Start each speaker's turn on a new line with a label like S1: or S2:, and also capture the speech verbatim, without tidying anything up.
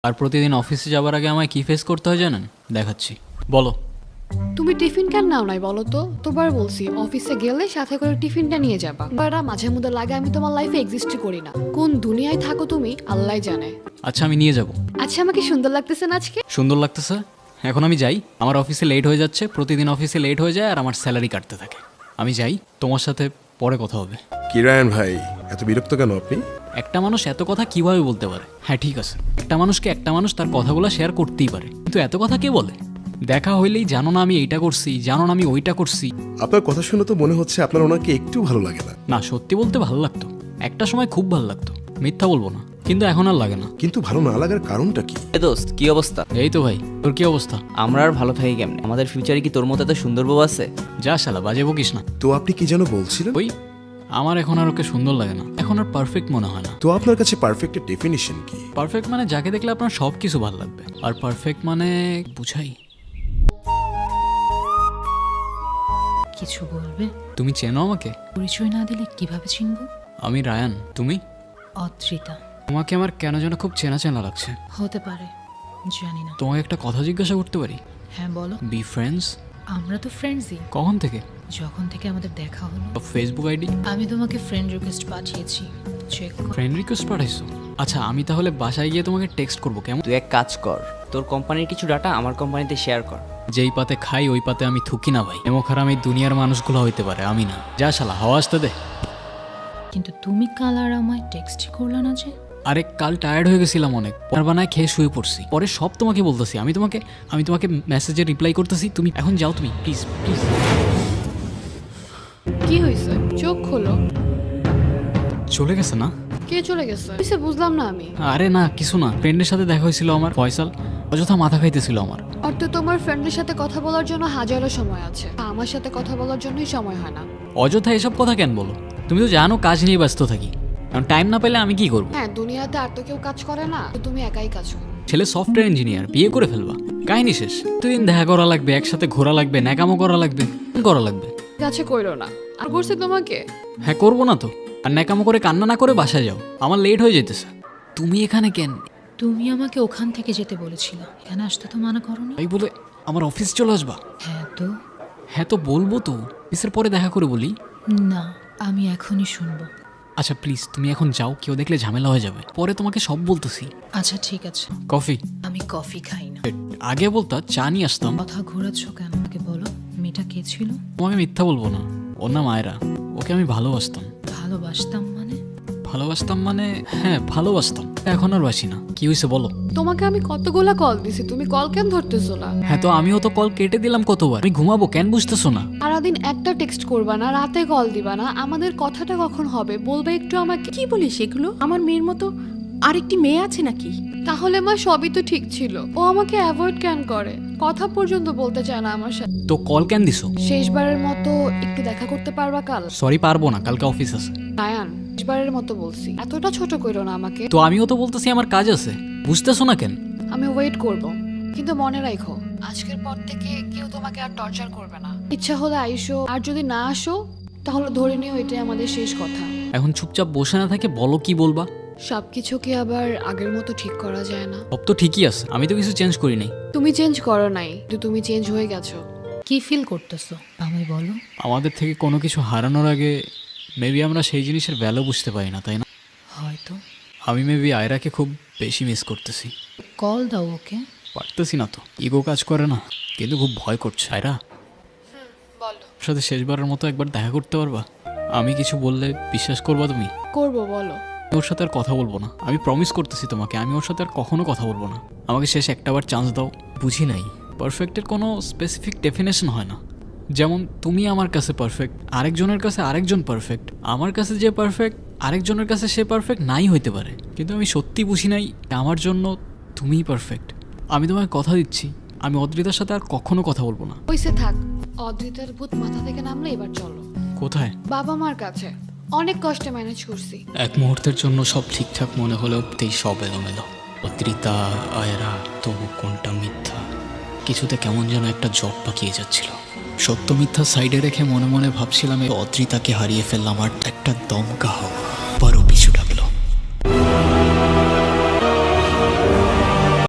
S1: আর প্রতিদিন অফিসে যাবার আগে আমায় কি ফেস করতে হয় জানেন? দেখাচ্ছি, বলো।
S2: তুমি টিফিন কেন নাও নাই বলো তো? তোবার বলছি অফিসে গেলে সাথে করে টিফিনটা নিয়ে যাবা। বারা মাঝে মধ্যে লাগে আমি তোমার লাইফে এক্সিস্টই করি না। কোন দুনিয়ায় থাকো তুমি আল্লাহই জানে।
S1: আচ্ছা আমি নিয়ে যাব।
S2: আচ্ছা আমাকে সুন্দর লাগতেছে না আজকে?
S1: সুন্দর লাগতেছে। এখন আমি যাই, আমার অফিসে লেট হয়ে যাচ্ছে, প্রতিদিন অফিসে লেট হয়ে যায় আর আমার স্যালারি কাটতে থাকে। আমি যাই, তোমার সাথে পরে কথা হবে।
S3: কি রায়ন ভাই, এত বিরক্ত কেন আপনি?
S1: একটা মানুষ এত কথা কিভাবে বলতে পারে? হ্যাঁ ঠিক আছে, একটা মানুষকে একটা মানুষ তার কথাগুলো শেয়ার করতেই পারে, কিন্তু এত কথা কে বলে? দেখা হইলেই জানো না আমি এইটা করছি, জানো না আমি ওইটা করছি।
S3: আপনার কথা শুনে তো মনে হচ্ছে আপনার ওনাকে একটু ভালো লাগে না।
S1: না সত্যি বলতে ভালো লাগতো, একটা সময় খুব ভালো লাগতো, মিথ্যা বলবো না, কিন্তু এখন আর লাগে না।
S3: কিন্তু ভালো না লাগার কারণটা কি?
S4: এ দোস্ত কি অবস্থা?
S1: এই তো ভাই, তোর কি অবস্থা?
S4: আমরা আর ভালো থাকি কেমনে? আমাদের ফিউচারে কি তোর মতো এত সুন্দর বউ আছে?
S1: যা শালা বাজে বকিস না।
S3: তো আপনি কি যেন বলছিলেন?
S1: ওই আমার এখন আর ওকে সুন্দর লাগে না, এখন আর পারফেক্ট মনে হয় না।
S3: তো আপনার কাছে পারফেক্টের ডেফিনিশন কি?
S1: পারফেক্ট মানে যাকে দেখলে আপনার সব কিছু ভালো লাগবে, আর পারফেক্ট মানে বুঝাই।
S5: কিছু বলবে?
S1: তুমি চেনো আমাকে?
S5: পরিচয় না দিলে কিভাবে চিনব?
S1: আমি রায়ান, তুমি?
S5: অদ্রিতা।
S1: তোমাকে আমার কেন যেন খুব চেনা চেনা লাগছে।
S5: হতে পারে, জানি না।
S1: তোমাকে একটা কথা জিজ্ঞাসা করতে পারি?
S5: হ্যাঁ বলো।
S1: Be friends?
S5: আমরা তো ফ্রেন্ডসই।
S1: কখন থেকে?
S5: যখন থেকে আমাদের দেখা হলো।
S1: Facebook ID?
S5: আমি তোমাকে ফ্রেন্ড রিকোয়েস্ট পাঠিয়েছি, চেক করো।
S1: ফ্রেন্ড রিকোয়েস্ট পাঠাইছো? আচ্ছা আমি তাহলে বাসায় গিয়ে তোমাকে টেক্সট করবো, কেমন?
S4: তুই এক কাজ কর, তোর কোম্পানির কিছু ডাটা আমার কোম্পানিতে শেয়ার কর।
S1: যেই পাতে খাই ওই পাতে আমি থুকি না ভাই। এমন খারাপ এই দুনিয়ার মানুষগুলো হইতে পারে, আমি না। যা শালা হাওয়া আসতে দে।
S5: কিন্তু তুমি কাল আর আমায় টেক্সটই করলা না যে?
S1: আরে কাল টায়ার্ড হয়ে গেছিলাম অনেক, পর বানায় খেয়ে শুয়ে পড়ছি। পরে সব তোমাকে বলতেছি, আমি তোমাকে আমি তোমাকে মেসেজে রিপ্লাই করতেছি, তুমি এখন যাও, তুমি প্লিজ প্লিজ।
S2: কি হয়েছে? চোখ খোলো।
S1: চলে গেছে না?
S2: কে চলে গেছে? কিসে বুঝলাম না আমি।
S1: আরে না কিছু না, ফ্রেন্ডের সাথে দেখা হয়েছিল আমার, ফয়সাল অযথা মাথা খাইতেছিল আমার।
S2: আর তো তোমার ফ্রেন্ডের সাথে কথা বলার জন্য হাজারো সময় আছে, আমার সাথে কথা বলার জন্যই সময় হয় না।
S1: অযথা এসব কথা কেন বলো? তুমি তো জানো কাজ নিয়ে ব্যস্ত থাকি, কারণ টাইম না পেলে আমি কি করবো?
S2: হ্যাঁ দুনিয়াতে আর তো কেউ কাজ করে না, তো তুমি একাই কাজ করো।
S1: ছেলে সফটওয়্যার ইঞ্জিনিয়ার, বিয়ে করে ফেলবা, কাহিনী শেষ। প্রতিদিন দেখা করা লাগবে, একসাথে ঘোরা লাগবে, ন্যাকামো করা লাগবে, করা লাগবে।
S2: কাছে কইরো না। আর করছে তোমাকে?
S1: হ্যাঁ করবো না তো, আর ন্যাকামো করে কান্না না করে বাসায় যাও, আমার লেট হয়ে যেতেছে। তুমি এখানে কেন?
S5: তুমি আমাকে ওখান থেকে যেতে বলেছিলে, এখানে আসতে তো মানা করোনি।
S1: তাই বলে আমার অফিস চলে আসবা?
S5: হ্যাঁ তো।
S1: হ্যাঁ তো বলবো তো, অফিসের পরে দেখা করে বলি।
S5: না, আমি এখনই শুনবো।
S1: আচ্ছা প্লিজ তুমি এখন যাও, কেউ দেখলে ঝামেলা হয়ে যাবে, পরে তোমাকে সব বলতেছি।
S5: আচ্ছা ঠিক আছে।
S1: কফি?
S5: আমি কফি খাই না।
S1: আগে বলতা চা নিয়ে আসতাম।
S5: কথা ঘোরাচ্ছ কেন? আমাকে বলো, মেয়েটা কে ছিল?
S1: তোমাকে মিথ্যা বলবো না, ওর নাম আয়রা, ওকে আমি ভালোবাসতাম।
S5: ভালোবাসতাম মানে?
S1: ভালোবাসতাম মানে হ্যাঁ ভালোবাসতাম, এখন আর বাসি না। কি হয়েছে বলো?
S2: তোমাকে আমি কতগুলা কল দিছি, তুমি কল কেন ধরতেছো না?
S1: হ্যাঁ তো আমিও তো কল কেটে দিলাম কতবার, আমি ঘুমাবো কেন বুঝতেছো না?
S2: সারাদিন একটা টেক্সট করবা না, রাতে কল দিবা না, আমাদের কথাটা কখন হবে বলবে একটু আমাকে।
S6: কি বলিস এগুলো? আমার মেয়ের মতো আরেকটি মেয়ে আছে নাকি?
S2: তাহলে মা সবই তো ঠিক ছিল, ও আমাকে অ্যাভয়েড কেন করে, কথা পর্যন্ত বলতে চায় না আমার সাথে।
S1: তো কল কেন দিছো?
S2: শেষবারের মতো একটু দেখা করতে পারবা কাল?
S1: সরি পারবো না, কালকে অফিস আছে।
S2: রায়ান শেষবারের মতো বলছি, এতটা ছোট কইরো না আমাকে।
S1: তো আমিও তো বলতেছি আমার কাজ আছে, বুঝতেছো না কেন?
S2: আমি ওয়েট করব, কিন্তু মনে রাখো আজকের পর থেকে কেউ তোমাকে আর টর্চার করবে না। ইচ্ছা হলে আইসো, আর যদি না আসো তাহলে ধরে নিও এটাই আমাদের শেষ কথা।
S1: এখন চুপচাপ বসে না থাকে বলো কি বলবা।
S2: সবকিছু কি আবার আগের মতো ঠিক করা যায় না?
S1: সব তো ঠিকই আছে, আমি তো কিছু চেঞ্জ করি নাই।
S2: তুমি চেঞ্জ করো নাই, কিন্তু তুমি চেঞ্জ হয়ে গেছো।
S5: কি ফিল করতেছো আমায় বলো।
S1: আমাদের থেকে কোনো কিছু হারানোর আগে মেবি আমরা সেই জিনিসের ভ্যালু বুঝতে পারি না, তাই না?
S5: হয়তো।
S1: আমি মেবি আয়রাকে খুব বেশি মিস করতেছি।
S5: কল দাও ওকে।
S1: পারতেছি না তো, ইগো কাজ করে না, কিন্তু খুব ভয় করছে। আয়রা
S2: বলো।
S1: ওর সাথে শেষবারের মতো একবার দেখা করতে পারবা? আমি কিছু বললে বিশ্বাস করবা তুমি?
S2: করবো, বলো।
S1: ওর সাথে আর কথা বলবো না, আমি প্রমিস করতেছি তোমাকে, আমি ওর সাথে আর কখনো কথা বলবো না। আমাকে শেষ একটাবার চান্স দাও। বুঝি নাই, পারফেক্টের কোনো স্পেসিফিক ডেফিনেশন হয় না। যেমন তুমি আমার কাছে পারফেক্ট, আরেকজনের কাছে আরেকজন পারফেক্ট, আমার কাছে যে পারফেক্ট আরেকজনের কাছে সে পারফেক্ট নাই হইতে পারে, কিন্তু আমি সত্যি বুঝি নাই আমার জন্য তুমিই পারফেক্ট। আমি তোমায় কথা দিচ্ছি, আমি অদ্রিতার সাথে আর কখনো কথা বলবো না।
S2: ওইসে থাক, অদ্রিতার ভূত মাথা থেকে নামলে এবার চলো।
S1: কোথায়?
S2: বাবা মার কাছে। অনেক কষ্টে ম্যানেজ করছি।
S1: এক মুহূর্তের জন্য সব ঠিকঠাক মনে হলেও তেই সব এলোমেলো। অদ্রিতা, আয়রা, তবু কোনটা মিথ্যা? কিছুতে কেমন যেন একটা জট পাকিয়ে যাচ্ছিল। সত্য মিথ্যা সাইডে রেখে মনে মনে ভাবছিলাম এই অদ্রিতাকে হারিয়ে ফেললাম আর একটা দমকা হওয়া।